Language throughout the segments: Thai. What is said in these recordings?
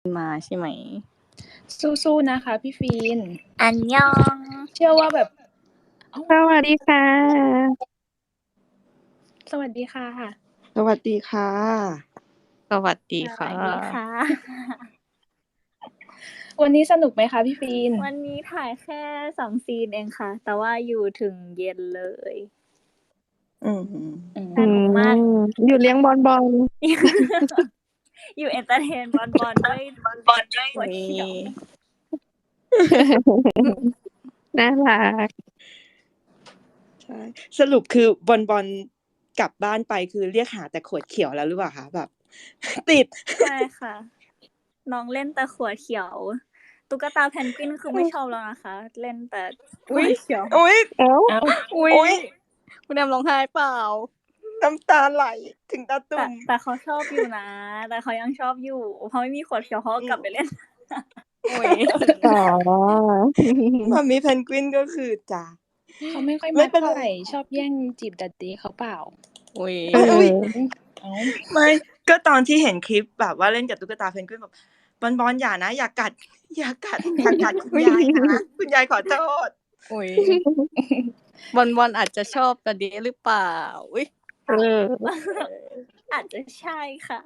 มาใช่ไหมสู้ๆนะคะพี่ฟีนอันยองเชื่อว่าแบบสวัสดีค่ะสวัสดีค่ะสวัสดีค่ะสวัสดีค่ะวันนี้สนุกไหมคะพี่ฟีนวันนี้ถ่ายแค่2 ซีนเองค่ะแต่ว่าอยู่ถึงเย็นเลยสนุกมากอยู่เลี้ยงบอลอยู่เอนเตอร์เทนบอลด้วยหัวเขียวน่ารักใช่สรุปคือบอลกลับบ้านไปคือเรียกหาแต่ขวดเขียวแล้วหรือเปล่าคะแบบ ติดใช่ค่ะน้องเล่นแต่ขวดเขียวตุ๊กตาเพนกวินคือไม่ชอบแล้วนะคะเล่นแต่ขวดเขียวอุ๊ยคุณแอมร้องไห้เปล่าน้ำตาไหลถึงตาตุ่มแต่เขาชอบอยู่นะแต่เขายังชอบอยู่เพราะไม่มีขวดเขียวเขาก็กลับไปเล่นมัมมี่เพนกวินก็คือจ้าเขาไม่ค่อยมาเท่าไหร่ชอบแย่งจีบดัดดี้เขาเปล่าไม่ก็ตอนที่เห็นคลิปแบบว่าเล่นกับตุ๊กตาเพนกวินแบบบอลอย่านะอย่ากัดคุณยายนะคุณยายขอโทษบอลอาจจะชอบดัดดี้หรือเปล่าอาจจะใช่ค่ะ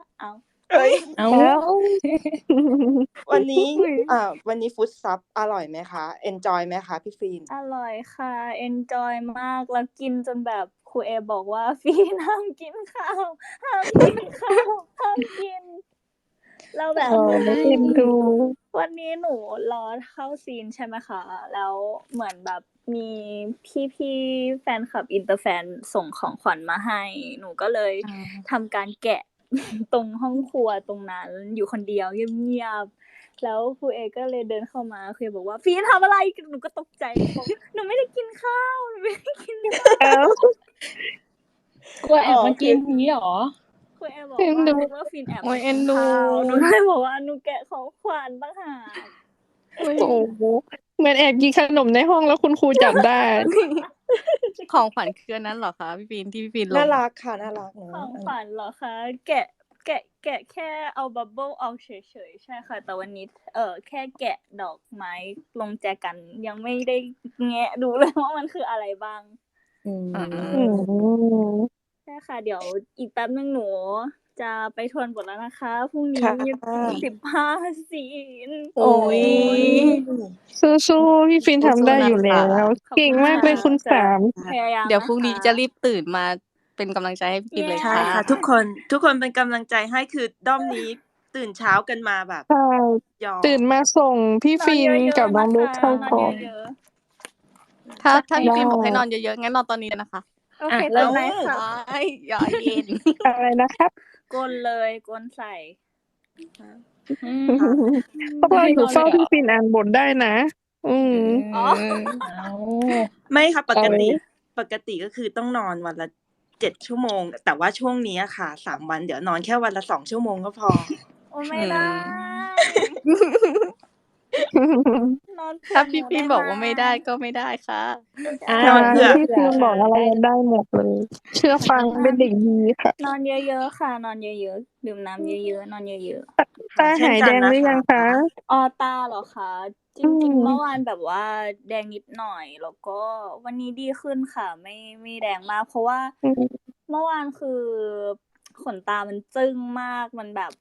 วันนี้ฟู้ดซับอร่อยไหมคะเอนจอยไหมคะพี่ฟีนอร่อยค่ะเอนจอยมากแล้วกินจนแบบครูเอบอกว่าฟีนห้ามกินข้าวห้ามกินเราแบบวันนี้หนูรอเข้าซีนใช่ไหมคะแล้วเหมือนแบบมีพี่แฟนคลับอินเตอร์แฟนส่งของขวัญมาให้หนูก็เลยทำการแกะตรงห้องครัวตรงนั้นอยู่คนเดียวเงียบๆแล้วครูเอก็เลยเดินเข้ามาครูเอบอกว่าฟีนทำอะไรหนูก็ตกใจบอกหนูไม่ได้กินข้าวกลัวแอบมากินนี้หรอครูเอบอกว่าฟีนแอบมากินข้าวหนูเลยบอกว่าหนูแกะของขวัญต่างหากโอ้โหเหมือนแอบกินขนมในห้องแล้วคุณครูจับได้ของขวัญคือนั้นเหรอคะพี่ฟีนที่พี่ฟีนลงน่ารักค่ะน่ารักของขวัญเหรอคะแกะแค่เอาบับเบิ้ลออกเฉยๆใช่ค่ะแต่วันนี้แค่แกะดอกไม้ลงแจกันยังไม่ได้แงะดูเลยว่ามันคืออะไรบ้างใช่ค่ะเดี๋ยวอีกแป๊บนึงหนูจะไปทวนบทแล้วนะคะพรุ่งนี้15 ซีนสู้ๆพี่ฟินทำได้อยู่แล้วเก่งมากเลยคุณสามเดี๋ยวพรุ่งนี้จะรีบตื่นมาเป็นกำลังใจให้พี่ฟินเลยค่ะใช่ค่ะทุกคนเป็นกำลังใจให้คือด้อมนี้ตื่นเช้ากันมาแบบตื่นมาส่งพี่ฟินกับน้องเบสเข้ากองถ้าพี่ฟินบอกให้นอนเยอะๆงั้นนอนตอนนี้นะคะโอเคตอนไหนค่ะอย่าเย็นอะไรนะครับกลเลยกลใส่พวกเราอยู่เฝ้าพี่ฟินอ่านบทได้นะไม่ค่ะปกติก็คือต้องนอนวันละ7 ชั่วโมงแต่ว่าช่วงนี้ค่ะ3 วันเดี๋ยวนอนแค่วันละ2 ชั่วโมงก็พอโอ้ไม่ได้ถ้าพี่ฟินบอกว่าไม่ได้ก็ไม่ได้ค่ะนอนเพื่อพี่ฟินบอกอะไรได้หมดเลยเชื่อฟังเป็นเด็กดีค่ะนอนเยอะๆค่ะนอนเยอะๆดื่มน้ำเยอะๆนอนเยอะๆตาหายแดงหรือยังคะตาเหรอคะจริงๆเมื่อวานแบบว่าแดงนิดหน่อยแล้วก็วันนี้ดีขึ้นค่ะไม่แดงมากเพราะว่าเมื่อวานคือขนตามันจึ้งมากมันแบบ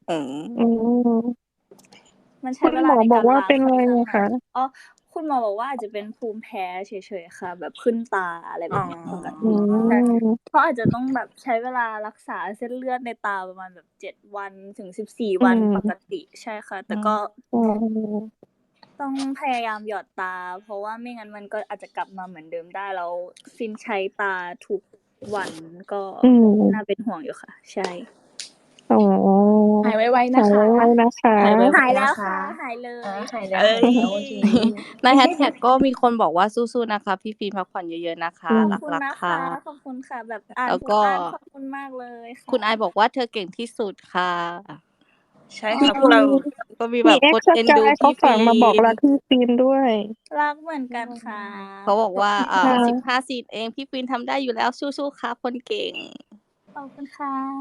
มันใช้เวลาในการล้างเป็นไงคะคุณหมอบอกว่าอาจจะเป็นภูมิแพ้เฉยๆค่ะแบบขึ้นตาอะไรแบบนี้ปกติเพราะอาจจะต้องแบบใช้เวลารักษาเส้นเลือดในตาประมาณแบบ7 วันถึง14 วันปกติใช่ค่ะแต่ก็ต้องพยายามหยอดตาเพราะว่าไม่งั้นมันก็อาจจะกลับมาเหมือนเดิมได้แล้วฟินใช้ตาทุกวันก็น่าเป็นห่วงอยู่ค่ะใช่หายไวๆนะคะหายแล้วค่ะหายเลยในแฮชแท็กก็มีคนบอกว่าสู้ๆนะคะพี่ฟิล์มพักผ่อนเยอะๆนะคะรักๆค่ะขอบคุณค่ะแบบอ่านทุกอ่านขอบคุณมากเลยค่ะคุณไอบอกว่าเธอเก่งที่สุดค่ะใช่ค่ะพวกเราก็มีแบบคนเอ็นดูพี่ฟิล์มมาบอกรักพี่ฟิล์มด้วยรักเหมือนกันค่ะเขาบอกว่า15 ซีนเองพี่ฟิล์มทำได้อยู่แล้วสู้ๆค่ะคนเก่งขอบคุณค่ะ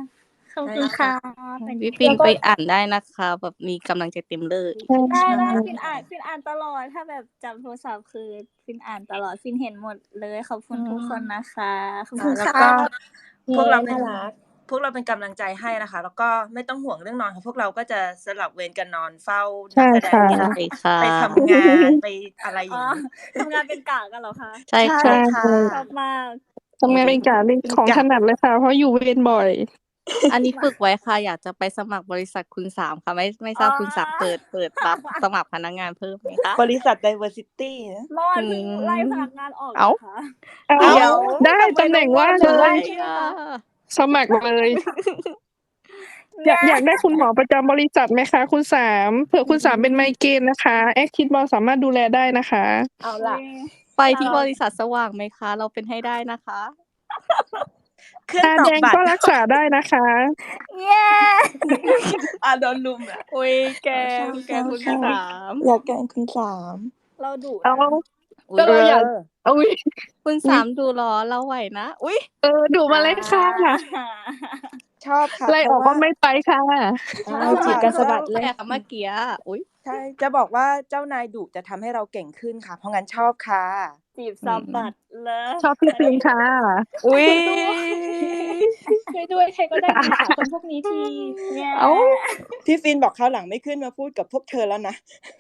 ขอบคุณค่ะพี่ฟินไปอ่านได้นะคะแบบมีกำลังใจเต็มเลยได้ฟินอ่านตลอดถ้าแบบจับโทรศัพท์คือฟินอ่านตลอดฟินเห็นหมดเลยขอบคุณทุกคนนะคะขอบคุณแล้วค่ะก็พวกเราเป็นน่ารักพวกเราเป็นกำลังใจให้นะคะ แล้วก็ไม่ต้องห่วงเรื่องนอนค่ะพวกเราก็จะสลับเวรกันนอนเฝ้าใช่นักแสดงค่ะใช่ค่ะไปทำงานไปอะไรออ๋ย่าองนี้ทำงานเป็นกะกันเหรอคะใช่ใช่ค่ะค่ะชอบมากทำงานเป็นกะเป็นของถนัดเลยค่ะเพราะอยู่เวรบ่อยอันนี้ฝึกไว้ค่ะ อยากจะไปสมัครบริษัทคุณสามค่ะ ไม่ทราบคุณสามเปิดรับสมัครพนักงานเพิ่มไหมคะบริษัท diversity นะเมื่อวานเพิ่งไล่พนักงานออกเอ้านะคะเอาเดี๋ยวได้ตำแหน่งว่างเลย สมัครเลย อยากได้คุณหมอประจำบริษัทไหมคะคุณสามเผื่อคุณสามเป็นไมเกรนนะคะแอคทิดบอลสามารถดูแลได้นะคะเอาล่ะไปที่บริษัทสว่างไหมคะ เราเป็นให้ได้นะคะเครื่องตาตอแดบงบัตก็รรักษาได้นะคะเย้โดนลุมอ่ะอุ้ยแกคุณสามอยากแกล้งคุณสามเราดุเอานะก็เราอยากอุ้ยคุณสามดูหรอเราไหวนะ อุ้ยดูมาเลยค่ะชอบค่ะไล่ออกก็ไม่ไปค่ะจีบกันสะบัดเลยแต่เมื่อกี้อุ้ยใช่จะบอกว่าเจ้านายดุจะทำให้เราเก่งขึ้นค่ะ เพราะงั้นชอบค่ะจีบสับบัดเลยชอบพี่ฟิล์มค่ะอุ้ยช่วยด้วยใครก็ได้อิจฉาคนพวกนี้ทีเนี่ยเอ้าพี่ฟินบอกคราวหลังไม่ขึ้นมาพูดกับพวกเธอแล้วนะ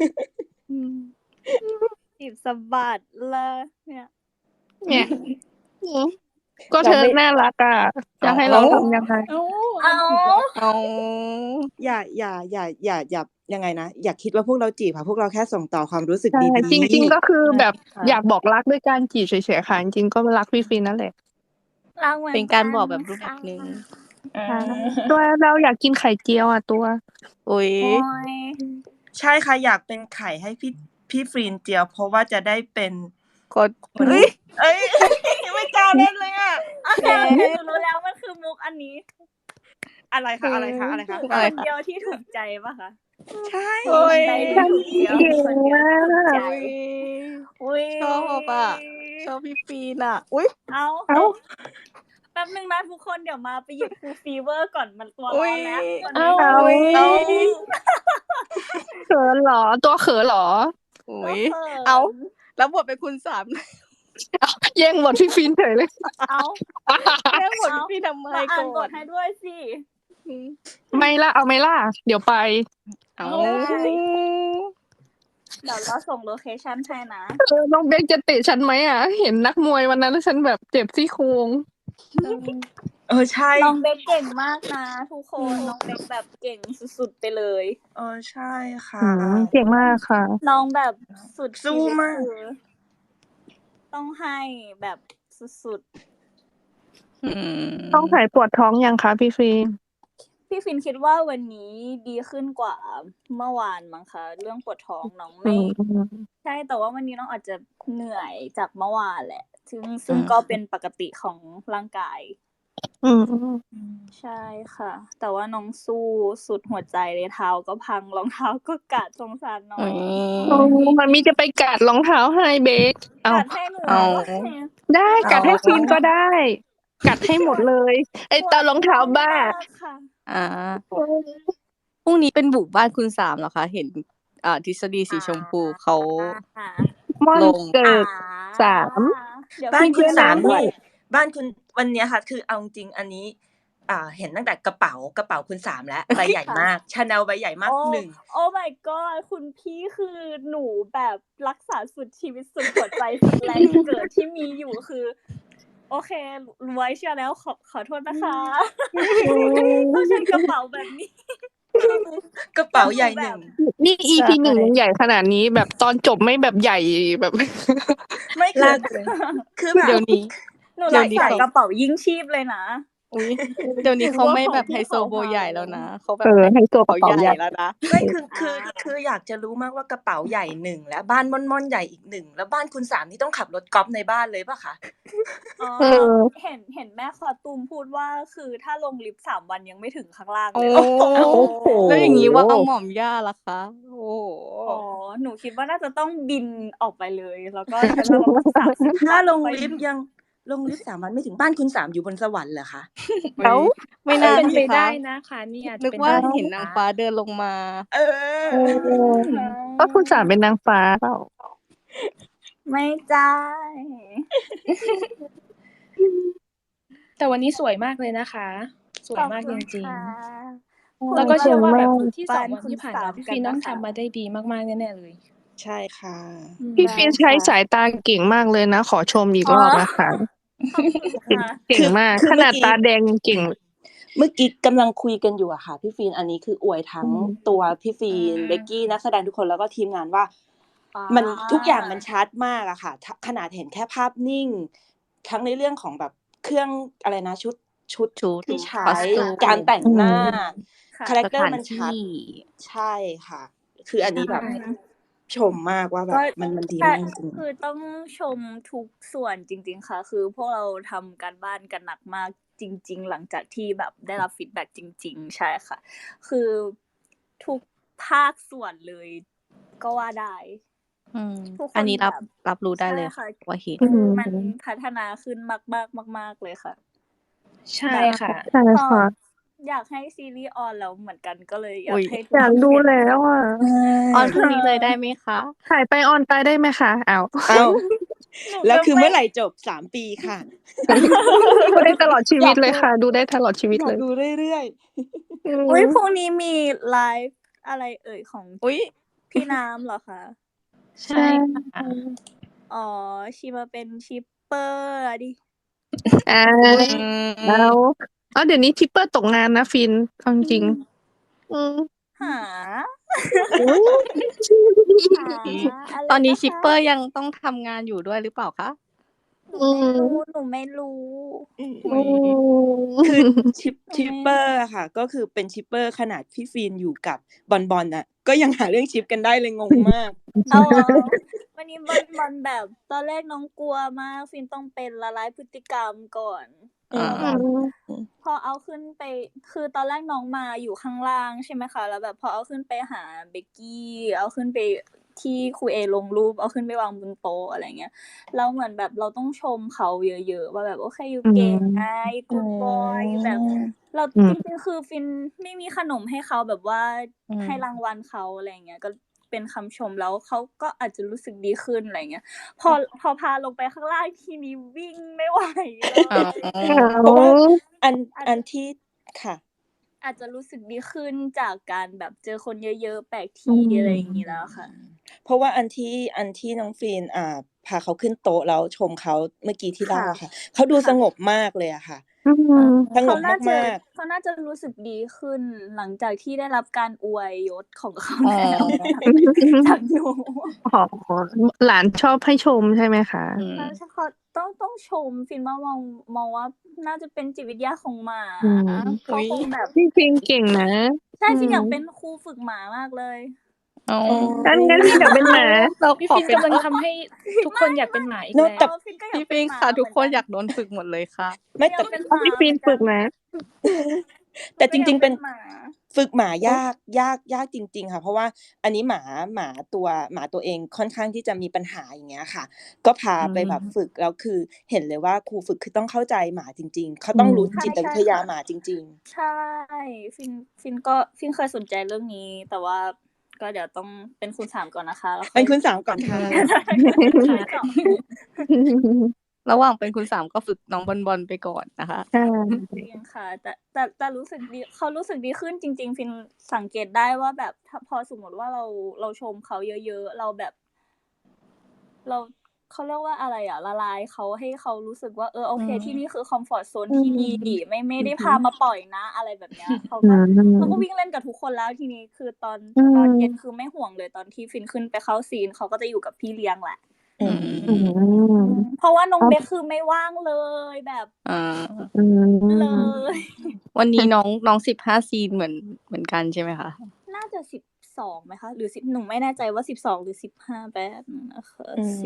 จีบสับบัดเลยเนี่ยเนี่ย ก็เธอน่ารักอ่ะจะให้เราทำยังไงเอาเอาอย่ายังไงนะ อย่าคิดว่าพวกเราจีบค่ะ พวกเราแค่ส่งต่อความรู้สึกใช่ดีๆจริง ๆ ก็คือแบบอยากบอกรักด้วยการจีบเฉยๆค่ะจริงๆก็รักพี่ฟินนั่นแหละรักหมืเป็นการบอกแบบรูปแบบนึงตัวเราอยากกินไข่เจียวอ่ะตัวอุ้ยโอ้ยใช่ค่ะ อยากเป็นไข่ให้พี่ฟรีนเจียว เพราะว่าจะได้เป็นกดอุ้ยเอ้ย ไม่กล้าเล่นเลยอ่ะโอเคหนูรู้แล้วมันคือมุกอันนี้อะไรคะอะไรคะคนเดียวที่ถูกใจปะคะใช่โอ้ยใจที่ถูกเดียวคนเดียวที่ถูกใจ อุ้ยชอบอ่ะ ชอบพี่ฟีนอ่ะ อุ้ยเอาเอ้าแป๊บนึงนะทุกคนเดี๋ยวมาไปหยิบฟูลฟีเวอร์ก่อนมันตัวอุ๊ร้อย นแล้วเอาเอาเขินเหรอ ตัวเขินเหรออุ้ย เอา แล้วบทเป็นคุณสามแย่งบทพี่ฟินเฉยเลยเอาเรื่องบทพี่ฟีนทำไมมาอ่านบก่อทนให้ด้วยสิไม่ล่ะเอาไม่ล่ะเดี๋ยวไปเอาเดี๋ยวเราส่งโลเคชั่นให้นะน้องเบคจะเตะฉันไหมอ่ะ เห็นนักมวยวันนั้นแล้วฉันแบบเจ็บซี่โครงใช่น้องเบคเก่งมากนะทุกคนน้องเบคแบบเก่งสุดๆไปเลยใช่ค่ะเก่งมากค่ะน้องแบบสุดสู้มากชีวิตคือต้องให้แบบสุดต้องหายปวดท้องยังคะพี่ฟินๆพี่ฟินคิดว่าวันนี้ดีขึ้นกว่าเมื่อวานมั้งคะเรื่องปวดท้องน้องไม่ใช่แต่ว่าวันนี้น้องอาจจะเหนื่อยจากเมื่อวานแหละซึ่งก็เป็นปกติของร่างกาย ใช่ค่ะ แต่ว่าน้องสู้สุดหัวใจเลยเท้าก็พังรองเท้าก็กัดสงสารน้องมันมีจะไปกัดรองเท้าให้เบคเอากัดให้หนูเอาได้กัดให้ฟินก็ได้ กัดให้หมดเลย ไอ้ตารองเท้าบ้าค่ะพรุ่งนี้เป็นบุกบ้านคุณสามเหรอคะ เห็นทฤษฎีสีชมพูเขาม่อนลงเกิด สามเดี๋ยวบ้านคุณสามด้วยนี่บ้านคุณวันเนี้ยค่ะ คือเอาจริงอันนี้ เห็นตั้งแต่กระเป๋าคุณสามแล้วใบใหญ่มากชาแนลใบใหญ่มากหนึ่งโอ้ my god คุณพี่คือหนูแบบรักษาสุดชีวิตสุดหัวใจสุดแรงเกิดที่มีอยู่คือ โอเครวยเชื่อแล้วขอโทษนะคะต้องใช้กระเป๋าแบบนี้กระเป๋าใหญ่หนึ่งนี่ EP หนึ่งยังใหญ่ขนาดนี้แบบตอนจบไม่แบบใหญ่แบบไม่คือแบบเดี๋ยวนี้หนูรักษากระเป๋ายิ่งชีพเลยนะอุ้ยเดี๋ยวนี้เขาไม่แบบไฮโซโบใหญ่แล้วนะเขาแบบไฮโซกระเขาเป๋าใหใหญ่ญ่แล้วนะไม่คืออยากจะรู้มากว่ากระเป๋าใหญ่หนึ่งแล้วบ้านม่อนใหญ่อีกหนึ่งแล้วบ้านคุณสามนี่ต้องขับรถกอล์ฟในบ้านเลยป่ะคะเห็นแม่คอตูมพูดว่าคือถ้าลงลิฟต์3 วันยังไม่ถึงข้างล่างโอ้เลยโหแล้วอย่างนี้ว่าหม่อมย่าล่ะคะ โอ้อ๋อหนูคิดว่าน่าจะต้องบินออกไปเลย แล้วก็ใช้เวลาประมาณ30 ถ้าลงวันลิฟต์ลงลิฟต์3 วันไม่ถึงบ้านคุณ3อยู่บนสวรรค์เหรอคะเอ้าไม่น่าเป็นสิไปคะได้นะคะนี่อาจจะนึกเป็นว่าได้เห็นนางฟ้าเดินลงมาเออก็คุณสามเป็นนางฟ้าเปล่าไม่จ้าแต่วันนี้สวยมากเลยนะคะ สวยมากจริงๆ แล้วๆก็เชื่อว่าแบบสวยมากที่2 วันที่ผ่านมาพี่ฟินต้องทำมาได้ดีมากๆแน่ๆเลยใช่ค่ะพี่ฟินใช้สายตาเก่งมากเลยนะ ขอชมอีกรอบนะคะ เก่งมากคือขเมื่นาอดกี้ตาแดงเก่งเมื่อกี้กำลังคุยกันอยู่อะค่ะพี่ฟีนอันนี้คืออวยทั้งตัวพี่ฟีนเบกกี้นักแสดงทุกคนแล้วก็ทีมงานว่า มันทุกอย่างมันชัดมากอะค่ะขนาดเห็นแค่ภาพนิ่ง ทั้งในเรื่องของแบบเครื่องอะไรนะชุดชุดที่ใช้ costume การแต่งหน้าค่ะคาแรคสเตอร์ถานมันชัดที่ใช่ค่ะ คืออันนี้แบบใช่ชมมากว่าแบบมันดีมากจริงคือต้องชมทุกส่วนจริงๆค่ะ คือพวกเราทำการบ้านกันหนักมากจริงๆหลังจากที่แบบได้รับฟีดแบ็กจริงๆ ใช่ค่ะ คือทุกภาคส่วนเลยก็ว่าได้ ทุกคนอันนี้แบบรับรู้ได้เลยใช่ค่ะว่าเห็นคือมันพัฒนาขึ้นมากๆเลยค่ะใช่ค่ะใช่ค่ะอยากให้ซีรีส์ออนแล้วเหมือนกันก็เลยอยาอุ๊กยให้ทุกอยากคนดูเห็นแล้วอ่ะออนพรุ่งนี้เลยได้ไหมคะถ่ายไปออนไปได้ไหมคะอ้าวๆ เอ้าแล้วคือเมื่อไหร่จบ3 ปีค่ะดูได้ตลอดชีวิตเลยค่ะ ดูได้ตลอดชีวิตอยาเลกยดูเรื่อยอุ้ยพรุ่งนี้มีไลฟ์อะไรเอ่ยของอุ๊ยพี่น้ำเหรอคะใช่ค่ะอ๋อชีมาเป็นชิปเปอร์อะดิอ่า แล้วเดี๋ยวนี้ทิปเปอร์ตกงานนะฟินเอาจริงๆอืมหาโอ้ยหาอะไรตอนนี้ะคะชิปเปอร์ยังต้องทำงานอยู่ด้วยหรือเปล่าคะหนูไม่รู้ๆ คือชิปเปอร์อะค่ะ ก็คือเป็นชิปเปอร์ขนาดพี่ฟีนอยู่กับบอลน่ะ ก็ยังหาเรื่องชิปกันได้เลยงงมากเอาเหรอวันนี้บอลแบบตอนแรกน้องกลัวมากฟินต้องเป็นละลายพฤติกรรมก่อนอ่าแล้วแบบพอเอาขึ้นไปคือตอนแรกน้องมาอยู่ข้างล่างใช่ไหมคะแล้วแบบพอเอาขึ้นไปหาเบกกี้เอาขึ้นไปที่ครูเอลงรูปเอาขึ้นไปวางบนโต๊ะอะไรเงี้ยแล้วเหมือนแบบเราต้องชมเขาเยอะๆว่าแบบโอเคอยู่เก่งไงกูดบอยแบบเราจริงๆคือฟินไม่มีขนมให้เขาแบบว่าให้รางวัลเขาอะไรเงี้ยก็เป็นคำชมแล้วเขาก็อาจจะรู้สึกดีขึ้นอะไรเงี้ยพอพาลงไปข้างล่างทีนี้วิ่งไม่ไหวเลยเพราะว่าอันที่ค่ะอาจจะรู้สึกดีขึ้นจากการแบบเจอคนเยอะๆแปลกที่อะไรอย่างนี้แล้วค่ะเพราะว่าอันที่น้องฟีนพาเขาขึ้นโต๊ะแล้วชมเขาเมื่อกี้ที่เล่าอะค่ะเขาดูสงบมากเลยอะค่ะ สงบมากเขาน่าจะรู้สึกดีขึ้นหลังจากที่ได้รับการอวยยศของเขาอ๋อจากหนูอ๋อหลานชอบให้ชมใช่ไหมคะใช่เขาต้องชมฟินว่ามองว่าน่าจะเป็นจิตวิทยาของหมาเขาคงแบบพี่ฟินเก่งนะใช่ฟินอยากเป็นครูฝึกหมามากเลยอ๋องั้นพี่อยากเป็นหมาเราพี่ขอฟินเป็นกำลังทำให้ทุกคนอยากเป็นหมาอีกเนอะแล้วแต่ฟินก็อยากพี่เป็ฟินงหมาค่ะ ทุกคนเหมือยากโดนฝึกหมดเลยค่ะไม่อยากเป็นหมาพี่ฟินฝึกนะแต่จริงๆเป็นหมาฝึกหมายากจริงๆค่ะ เพราะว่าอันนี้หมาตัวเองค่อนข้างที่จะมีปัญหาอย่างเงี้ยค่ะ ก็พาไปแบบฝึกแล้วคือเห็นเลยว่าครูฝึกคือต้องเข้าใจหมาจริงๆเขาต้องรู้จิตวิทยาหมาจริงใช่ฟินเคยสนใจเรื่องนี้ แต่ว่าก็เดี๋ยวต้องเป็นคุณสามก่อนนะคะแล้วๆ เป็นคุณสาวก่อนค่ะระหว่างเป็นคุณสามก็ฝึกน้องบอลไปก่อนนะคะจริงค่ะ แต่รู้สึกดีเขารู้สึกดีขึ้นจริงๆฟินสังเกตได้ว่าแบบถ้าพอสมมติว่าเราชมเขาเยอะๆเราแบบเราเขาเรียกว่าอะไรอ่ะละลายเขาให้เขารู้สึกว่าโอเคที่นี่คือคอมฟอร์ตโซนที่ดีไม่ได้พามาปล่อยนะอะไรแบบเนี้ยเขาก็วิ่งเล่นกับทุกคนแล้วทีนี้คือตอนเย็นคือไม่ห่วงเลยตอนที่ฟินขึ้นไปเข้าซีนเขาก็จะอยู่กับพี่เลี้ยงแหละเพราะว่าน้องเบคคือไม่ว่างเลยแบบเลยวันนี้น้อง15 ซีนเหมือนกันใช่ไหมคะน่าจะ12ไหมคะหรือ10หนูไม่แน่ใจว่า12หรือ15แบบนึงนะคะ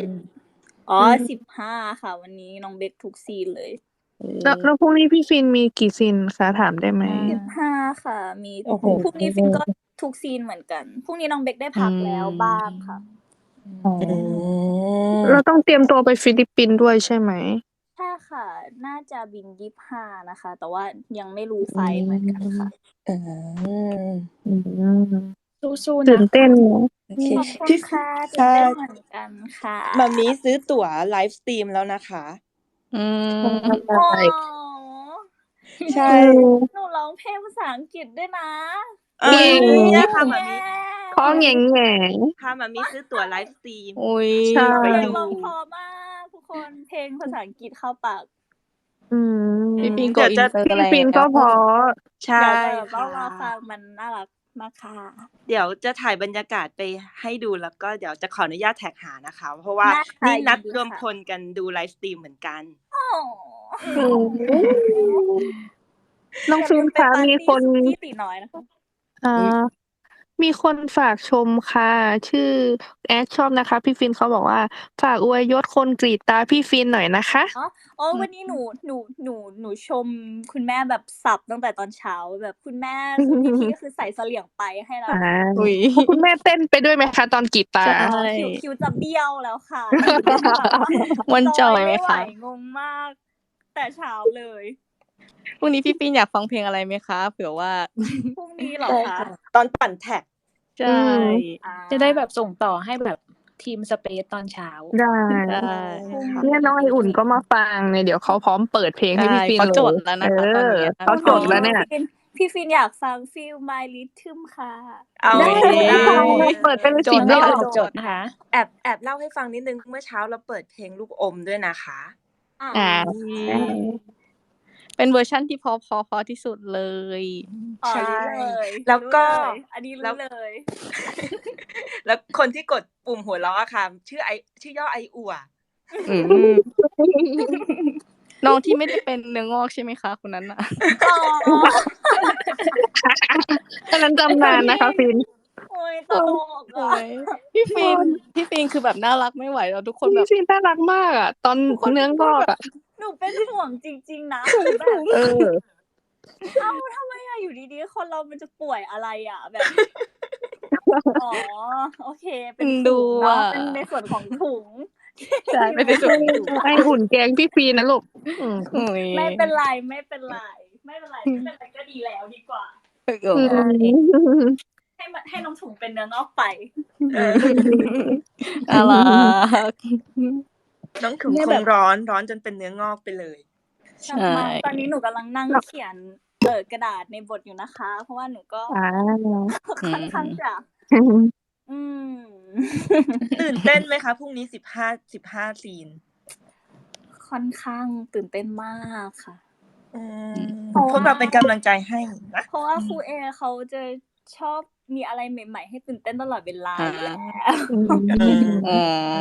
15ค่ะ วันนี้น้องเบคทุกซีนเลยแล้วพรุ่งนี้พี่ฟินมีกี่ซีนคะถามได้ไหม 15ค่ะมีพรุ่งนี้ฟินก็ทุกซีนเหมือนกันพรุ่งนี้น้องเบคได้พักแล้วบ้างค่ะเราต้องเตรียมตัวไปฟิลิปปินส์ด้วยใช่ไหมใช่ค่ะค่ะ น่าจะบิน25นะคะ แต่ว่ายังไม่รู้ไฟล์เหมือนกันค่ะอืมสู้ๆตื่นะนเต้นเนอะโอเคขอบคุณพี่ค่ะตื่นค่ะเต้นเหมือนกันค่ะมามีซื้อตั๋วไลฟ์สตรีมแล้วนะคะอืมโอ้ใช่หนูร้องเพลงภาษาอังกฤษด้วยนะเอ้ยเย้เนี่ยค่ะมามีเพราะแง่แง่พามามีซื้อตั๋วไลฟ์สตรีมอุ้ยใช่เพลไปงดูร้องเพอมากทุกคนเพลงภาษาอังกฤษเข้าปากพี่ปิงโกเดี๋ยวอิจะนเตอร์พี่แล้วฟินก็เพราะใช่เดี๋ยวต้อค่ะงรอฟังมันน่ารักมากค่ะเดี๋ยวจะถ่ายบรรยากาศไปให้ดูแล้วก็เดี๋ยวจะขออนุญาตแท็กหานะคะ เพราะว่าได้ค่ะนี่นัดยินดีรวมค่ะพลกันดูไลฟ์สตรีมเหมือนกันโอ้น้องอย่าฟิลืนมไปคะปาร์มีตี้คนสุกี้ตีน้อยนะคะมีคนฝากชมค่ะ ชื่อแอดชอบนะคะ พี่ฟินเขาบอกว่า ฝากอวยยศคนกรีดตาพี่ฟินหน่อยนะคะอ๋อ วันนี้หนูชมคุณแม่แบบสับตั้งแต่ตอนเช้าแบบคุณแม่คือพี่คือใส่เสลี่ยงไปให้แล้วอุ้ยคุณแม่เต้นไปด้วยไหมคะตอนกรีดตาใช่คิวจะเบี้ยวแล้วค่ะมันจอยไหมไม่ไหวคะงงมาก แต่เช้าเลยพรุ่งนี้พี่ปิงอยากฟังเพลงอะไรไหมคะ เผื่อว่าพรุ่งนี้เหรอใช่คะค่ะ ตอนปั่นแท็กใช่จะได้แบบส่งต่อให้แบบทีมสเปซตอนเช้าได้ได้เนี่ยน้องไออุ่นก็มาฟังเนี่ยเดี๋ยวเขาพร้อมเปิดเพลงให้พี่ฟินเขาเลจยดแล้วนะคะตอนนี้เขาจดแล้วเนี่ยพี่ฟินอยากฟัง Feel My Rhythm ค่ะเอาได้ได้เปิดไปเลยจสิดรได้อเลยบจดนะคะแอบเล่าให้ฟังนิดนึงเมื่อเช้าเราเปิดเพลงลูกอมด้วยนะคะอ่าเป็นเวอร์ชั่นที่พอที่สุดเลยอ๋อใช่รู้เลยแล้วก็รู้เลยอันนี้รู้เลยแล้วคนที่กดปุ่มหัวเราะอะค่ะ ชื่อย่อไออั่วอืมน้องที่ไม่ได้เป็นเนื้องอกใช่ไหมคะคนนั้นน่ะอ๋ออันนั้นจำนานนะคะฟินโอ้ยตลกโอ้อ่ะยพี่ฟินคือแบบน่ารักไม่ไหวแล้วทุกคนแบพี่บฟินน่ารักมากอ่ะ ตอนเนื้องอกอ่ะหนูเป็นห่วงจริงๆนะแบบเออเอ้าทำไมอะอยู่ดีๆคนเรามันจะป่วยอะไรอะแบบ อ๋อโอเค เป็นดูถุงเนาะอะเป็นในส่วนของถุงใช่ไม่ได้ส่วนหนึ่งไออุ่นแกงพี่ฟินนะลูกโอ้ยไม่เป็นไรไม่เป็นไรก็ดีแล้วดีกว่าโอ้ยให้น้องถุงเป็นเนื้องอกไปน่ารักน้องถุงเนี่ยคแบงบร้อนจนเป็นเนื้องอกไปเลยใช่ตอนนี้หนูกำลังนั่งเขียนกระดาษในบทอยู่นะคะ เพราะว่าหนูก็อ่าค่อนข้างจะอืมตื่นเต้นไหมคะพรุ่งนี้15ซีนค่อนข้างตื่นเต้นมากค่ะพวกเราเป็นกำลังใจให้นะเพราะว่าครูเอเขาจะชอบมีอะไรใหม่ๆให้ตื่นเต้นตลอดเวลาอยู่แล้วอ๋อ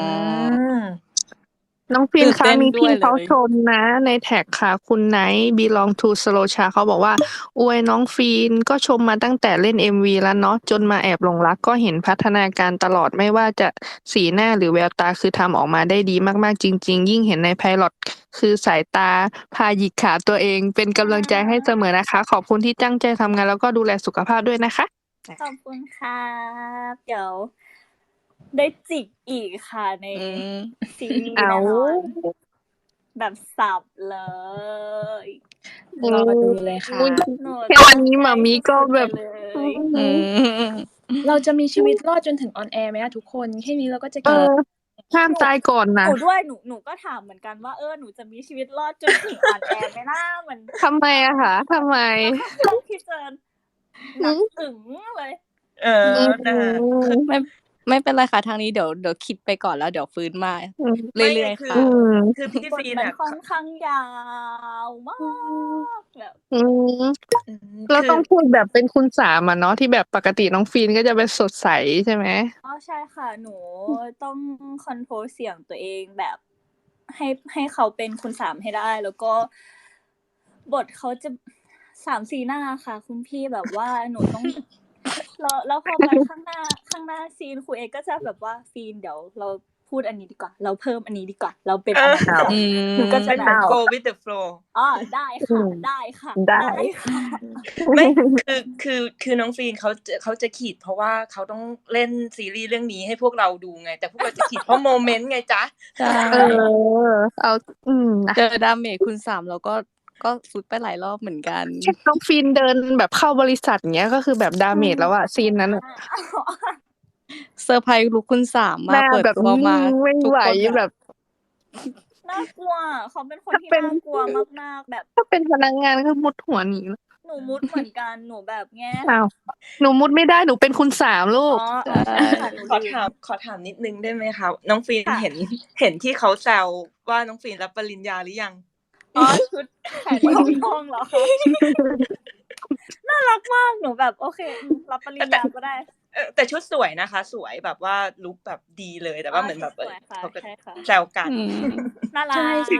น้องฟินตื่นคะเต้นมีด้พี่วยเลยเขาชมนะ ในแท็กค่ะ คุณไนท์ belong to slow cha เขาบอกว่าอวยน้องฟินก็ชมมาตั้งแต่เล่น MV แล้วเนาะจนมาแอบหลงรักก็เห็นพัฒนาการตลอดไม่ว่าจะสีหน้าหรือแววตาคือทำออกมาได้ดีมากๆจริง ๆ ยิ่งเห็นในไพลอตคือสายตาพาหยิกขาตัวเอง เป็นกำลังใจให้เสมอนะคะ ขอบคุณที่ตั้งใจทำงานแล้วก็ดูแลสุขภาพด้วยนะคะขอบคุณครับเดี๋ยวได้จิกอีกค่ะในซีรีส์แน่นอนแบบสับเลยรอดูเลยค่ะหนูแค่วันนี้หมามีก็แบบสุดๆไปเลยเราจะมีชีวิตรอดจนถึงออนแอร์ไหมอะทุกคนแค่นี้เราก็จะเอเก่งอห้ามตายก่อนนะหนูด้วยหนูก็ถามเหมือนกันว่าหนูจะมีชีวิตรอดจนถึงออนแอร์ไหมนะเหมือนทำไมอะคะทำไมพี่เจนหนักอึ๋งเลยไม่เป็นไรค่ะทางนี้เดี๋ยวคิดไปก่อนแล้วเดี๋ยวฟื้นมาเรื่อยๆค่ะคือพี่บทฟีนมันอะค่อนข้างยาวมากแบบเราต้องพูดแบบเป็นคุณสามอะเนาะที่แบบปกติน้องฟีนก็จะเป็นสดใสใช่ไหมอ๋อใช่ค่ะหนูต้องคอนโทรลเสียงตัวเองแบบให้เขาเป็นคุณสามให้ได้ แล้วก็บทเขาจะ3-4 หน้าค่ะ คุณพี่แบบว่าหนูต้องแล้วพอมาข้างหน้าซีนครูเอกก็จะแบบว่าฟีนเดี๋ยวเราพูพูดอันนี้ดีกว่า เราเพิ่มอันนี้ดีกว่า เราเป็นอันนั้นดีกว่าอืมหนูก็จะเป็นแบแบบบ go with the flow อ๋อได้ค่ะได้ค่ะได้ค่ะไม่คือน้องฟีนเขาจะขีดเพราะว่าเขาต้องเล่นซีรีส์เรื่องนี้ให้พวกเราดูไง แต่พวกเราจะขีดเพราะโมเมนต์ไงจ๊ะใช่เอานะเจอดาเมจคุณ3แล้วก็สุดไปหลายรอบเหมือนกันแค่น้องฟินเดินแบบเข้าบริษัทเงี้ยก็คือแบบดาเมจแล้วอะซีนนั้นอะเซอร์ไพรส์ลุคคุณ3 หมาน้ากเปิดแบบตัวมาไม่ทุกไหวคนแบบน่ากลัวเขาเป็นคนที่ถ้าเป็นน่ากลัวมากๆแบบถ้าเป็นพนักงานก็มุดหัวหนีแล้วหนูมุดเหมือนกันหนูแบบแง่อ้าวหนูมุดไม่ได้หนูเป็นคุณ3ลูอ๋กอใช่ค่ะหนูขอลืมถามนิดนึงได้ไหมคะน้องฟีนค่ะเห็นที่เขาแซวว่าน้องฟีนรับปริญญาหรือยังอ๋อชุดแขนทองเหรอคะน่ารักมากหนูแบบโอเครับปริญญาก็ได้แต่ชุดสวยนะคะ สวยแบบว่าลุคแบบดีเลยแต่ว่าเหมือนแบบสวยค่ะเขาก็ใช่ค่ะแซวกันอืมน่ารัใช่กใช่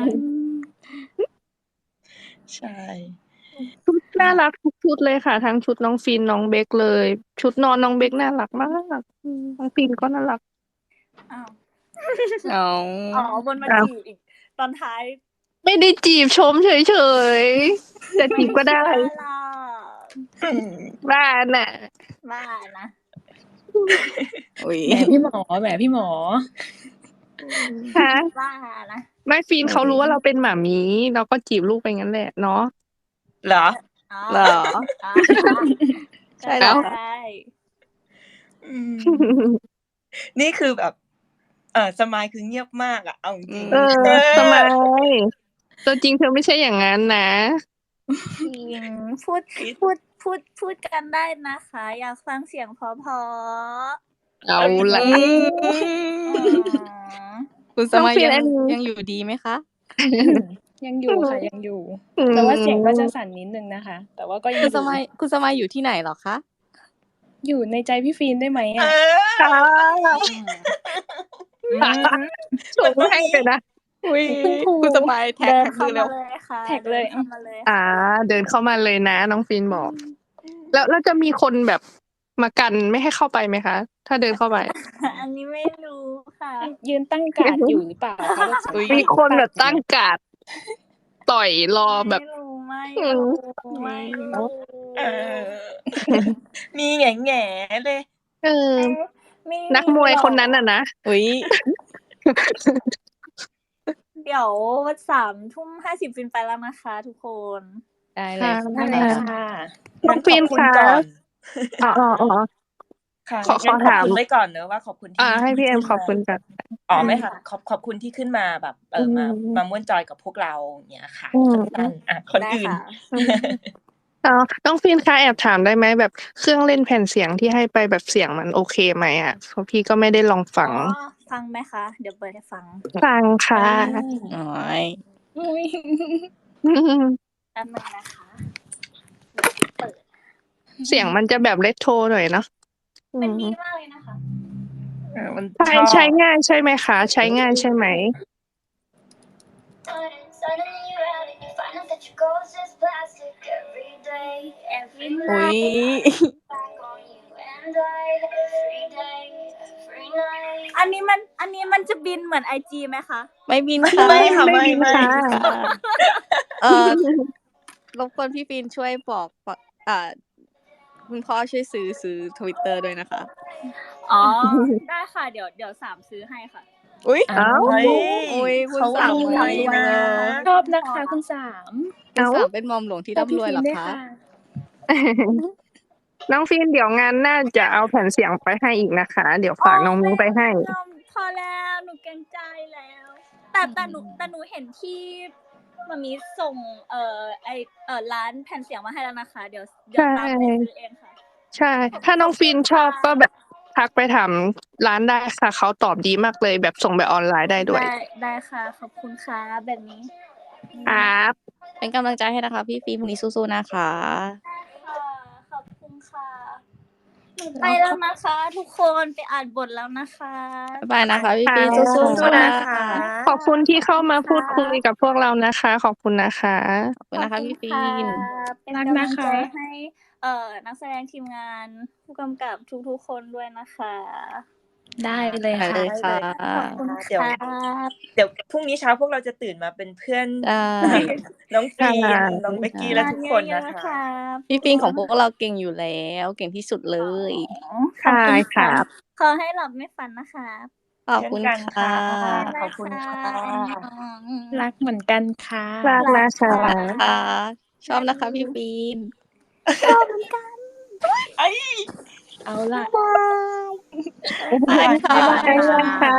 ใช่ชุดน่ารักทุกชุดเลยค่ะทั้งชุดน้องฟินน้องเบคเลย ชุดนอนน้องเบคน่ารักมากน้องฟินก็น่ารักอ้าวเอาอ๋อบนมาอ้าวจีบอีกตอนท้ายไม่ได้จีบชมเฉยๆจะจีบก็ได้บ้าล่ะบ้าน่ะบ้านะอุ๊ยแหมพี่หมอแหมพี่หมอฮะบ้านะไม่ฟินเขารู้ว่าเราเป็นหมามีเราก็จีบลูกไปงั้นแหละเนาะเหรออ๋อเหรออ๋อใช่เหรอใช่อืมนี่คือแบบสมายคือเงียบมากอะเอาจริงเออทำไมตัวจริงเธอไม่ใช่อย่างนั้นนะจริงพูดกันได้นะคะ อยากฟังเสียงเพราะเอาละอืมๆอ๋อคุณสน้องมัยฟินยัอังนนี้ยังอยู่ดีไหมคะยังอยู่ค่ะยังอยู่อืมแต่ว่าเสียงก็จะสั่นนิดนึงนะคะ แต่ว่าก็ยังคุอณสยู่มัยอยู่ที่ไหนเหรอคะอยู่ในใจพี่ฟีนได้ไหมเออ่ะค่ะชมให้เลยนะอุ๊ยคุณครูคุณสมัยแท็กเดินมืเข้าอมาเร็วเลยค่ะแท็กเลยดินเข้ามาเลยเดินเข้ามาเลยนะน้องฟินบอก แล้วจะมีคนแบบมากันไม่ให้เข้าไปไหมคะ ถ้าเดินเข้าไปอันนี้ไม่รู้ค่ะยืนตั้งการ์ดอยู่หรือเปล่าคะแบบอุ๊ยมีคนแบบตั้งการ์ดต่อยรอแบบไม่รู้ไม่อืรู้มไม่รู้เออ มีแง่ๆเลยเออไม่นักมวยคนนั้นน่ะนะอุ๊ยเดี๋ยว3:50ฟินไปแล้วนะคะ ทุกคนได้เลยได้เลยค่ะน้องฟินขอบคุณคะก่อนอ๋อค่ะของั้นขอบถามคุณไว้ก่อนเนอะว่าขอบคุณที่ให้พี่เอ็มขึ้นขอบคุณกันอ๋อไม่ค่ะขอบคุณที่ขึ้นมาแบบมาม่วนจอยกับพวกเราอย่างเงี้ยค่ะอืมสั้นๆอ่ะคนได้อื่นค่ะน้องฟินคะแอบถามได้ไหมแบบเครื่องเล่นแผ่นเสียงที่ให้ไปแบบเสียงมันโอเคไหมอ่ะเพราะพี่ก็ไม่ได้ลองฟังอ๋อ ฟังไหมคะ เดี๋ยวเปิดให้ฟังฟังค่ะโอ้ยอุ๊ยแป๊บนึงนะคะ เปิดเสียงมันจะแบบเรโทรหน่อยเนาะมันดีมากเลยนะคะมันใช้ง่ายใช่ไหมคะ ใช้ง่ายใช่ไหมอุ๊ยอันนี้มันจะบินเหมือน IG ไหมคะไม่บินค่ะไม่ค่ะไม่ไม่บินไม่ค่ะรบกวนพี่ฟินช่วยบอกคุณพ่อช่วยซื้อ Twitter ด้วยนะคะอ๋อ ได้ค่ะ เดี๋ยว3ซื้อให้ค่ะอุ๊ยเอ้าเฮ้ยอุ๊ยคุณเขาสามรวยนะชอบนะคะคุณสามคุณสามเป็นมอมหลวงที่ชอบพี่ร่ำรวยฟีเหรนอด้วยคะค่ะน้องฟินเดี๋ยวงานน่าจะเอาแผ่นเสียงไปให้อีกนะคะ เดี๋ยวฝากน้องมิ้งไปให้พอแล้วหนูเกรงใจแล้ว แต่หนูเห็นที่มามีส่งร้านแผ่นเสียงมาให้แล้วนะคะ เดี๋ยวตามไปซื้อเองค่ะใช่ ถ้าน้องฟินชอบก็แบบทักไปถามร้านได้ค่ะ เขาตอบดีมากเลยแบบส่งแบบออนไลน์ได้ด้วยได้ค่ะ ขอบคุณค่ะแบบนี้ครับเป็นกำลังใจให้นะคะ พี่ฟินพรุ่งนี้สู้ๆนะคะค่ะ ขอบคุณค่ะหนูไปแล้วนะคะ ทุกคนไปอ่านบทแล้วนะคะบ๊ายบายนะคะพี่ฟินค่ะสู้สู้ๆๆนะนะคะ คะขอบคุณที่เข้ามาพูดคุยกับพวกเรานะคะ ขอบคุณนะคะขอบคุณนะคะพี่ฟินเป็นรักกำลันะงคะใจให้นักแสดงทีมงานผู้กำกับทุกๆคนด้วยนะคะได้เลยได้ค่ะเลยค่ะขอบคุณเดี๋ยวครับเดี๋ยวพรุ่งนี้เช้าพวกเราจะตื่นมาเป็นเพื่อนได้น้องฟีนค่ะน้องเบกกี้และทุกคนเยนะอะๆคะรับพี่ฟินของพวกเราเก่งอยู่แล้ว เก่งที่สุดเลยขอบคุณครัค่ะบขอให้หลับไม่ฝันนะครับขอบคุณเช่นกันค่ะขอบคุณค่ะรักเหมือนกันค่ะรักนะคะค่ะ ชอบนะคะพี่ฟินชอบเหมือนกันเอาล่ะบายบ๊ายบายค่ะบ๊ายบายค่ะ